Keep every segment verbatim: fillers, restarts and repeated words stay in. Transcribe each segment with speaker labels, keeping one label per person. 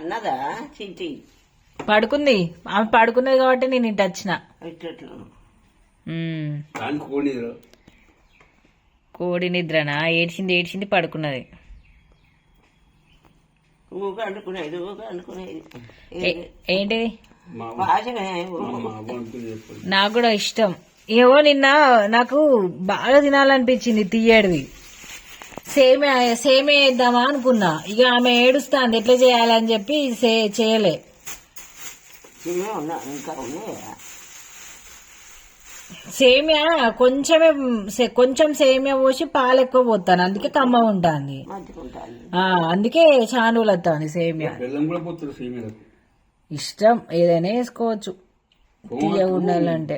Speaker 1: అన్నదా చింటి
Speaker 2: పడుకుంది. ఆమె పడుకున్నది కాబట్టి నేను ఇంటి వచ్చిన. కోడి నిద్రనా? ఏడ్చింది ఏడ్చింది పడుకున్నది. ఏంటిది? నాకు కూడా ఇష్టం. ఏవో నిన్న నాకు బాగా తినాలనిపించింది తీయడిది. సేమే సేమే వేద్దామా అనుకున్నా. ఇక ఆమె ఏడుస్తాంది ఎట్లా చేయాలని చెప్పి చేయలే. సేమియా కొంచెమే కొంచెం సేమియా పోసి పాలు ఎక్కువ పోతాను, అందుకే కమ్మ ఉంటుంది. అందుకే చానులు వస్తాను. సేమియా ఇష్టం, ఏదైనా వేసుకోవచ్చు తీయ ఉండాలంటే.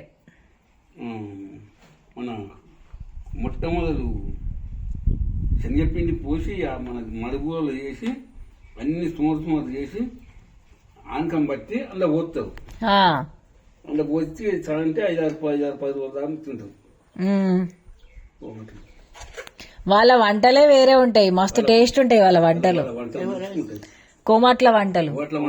Speaker 3: మొట్టమొదలు శనగపిండి పోసి మన మడుగులో వేసి అన్ని సుమారు సుమారు చేసి ఆనకం బట్టి అందులో పోతావు. అందులో పోసి అంటే ఐదారు ఐదారు పది రోజులు దాకా తింటావు.
Speaker 2: వాళ్ళ వంటలే వేరే ఉంటాయి, మస్తు టేస్ట్ ఉంటాయి వాళ్ళ వంటలు. కోమట్ల వంటలు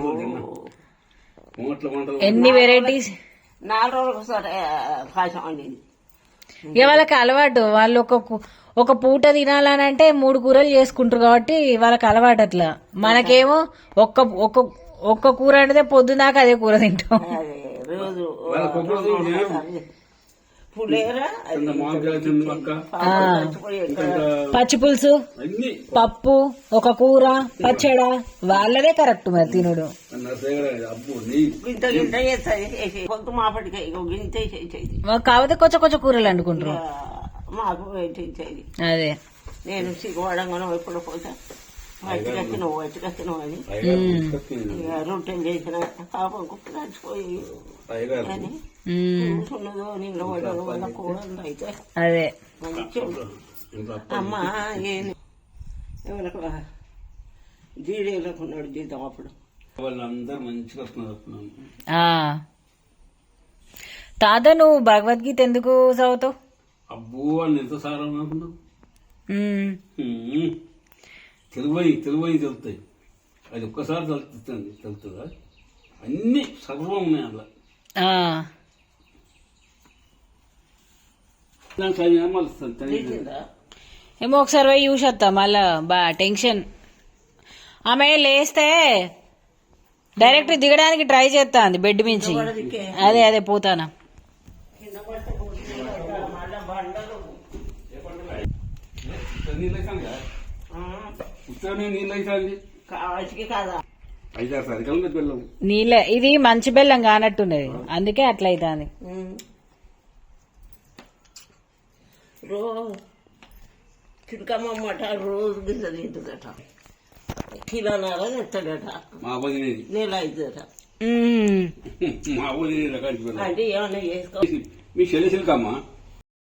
Speaker 2: ఎన్ని వెరైటీస్.
Speaker 1: నాలుగు రోజులకు ఒకసారి పాయసం వండింది.
Speaker 2: ఇక వాళ్ళకి అలవాటు. వాళ్ళు ఒక ఒక పూట తినాలని అంటే మూడు కూరలు చేసుకుంటారు కాబట్టి వాళ్ళకి అలవాటు అట్లా. మనకేమో ఒక్క ఒక్క ఒక్క కూర అంటే పొద్దున్నాక అదే కూర తింటాం. పచ్చి పులుసు, పప్పు, ఒక కూర, పచ్చడ వాళ్ళదే కరెక్ట్ మరి తినడు. కాకపోతే కొంచెం కొంచెం కూరలు వండుకుంటారు. అదే
Speaker 1: నేను సిగ్గుపడంగానో ఎప్పుడు పోతా వచ్చి నువ్వు వచ్చి నువ్వు అని రొట్టెలు చేసిన పాపం కుప్ప చచ్చిపోయి అని కూర్చున్నదో నిన్న పడదు వాళ్ళ కూడదు. అయితే
Speaker 2: అదే
Speaker 1: అమ్మ ఏం ఎవరికి జీడీలకు ఉన్నాడు జీతం అప్పుడు.
Speaker 2: తాత నువ్వు భగవద్గీత ఎందుకు చదువుతావు?
Speaker 3: అబ్బో అని ఎంత సారం అనుకున్నావు. తెలుగు తెలుగు తెలుస్తాయి. అది ఒక్కసారి తెలుస్తుంది తెలుస్తుందా? అన్ని సర్వం ఉన్నాయి అలా.
Speaker 2: ఏమో ఒకసారి పోయి చూసి వస్తా. మళ్ళా బా టెన్షన్. ఆమె లేస్తే డైరెక్ట్ దిగడానికి ట్రై చేస్తాంది బెడ్ మించి. అదే అదే పోతానా. నీళ్ళ ఇది మంచి బెల్లం కానట్టున్నది, అందుకే అట్లా అవుతుంది.
Speaker 1: రోజు చిలకమ్మట రోజు గింజ తింటుందట, కిలోన్నర తెస్తాడట, నెల అవుతుందట. అంటే ఏమన్నా చేసుకో.
Speaker 3: మీ చెల్లి చిలకమ్మ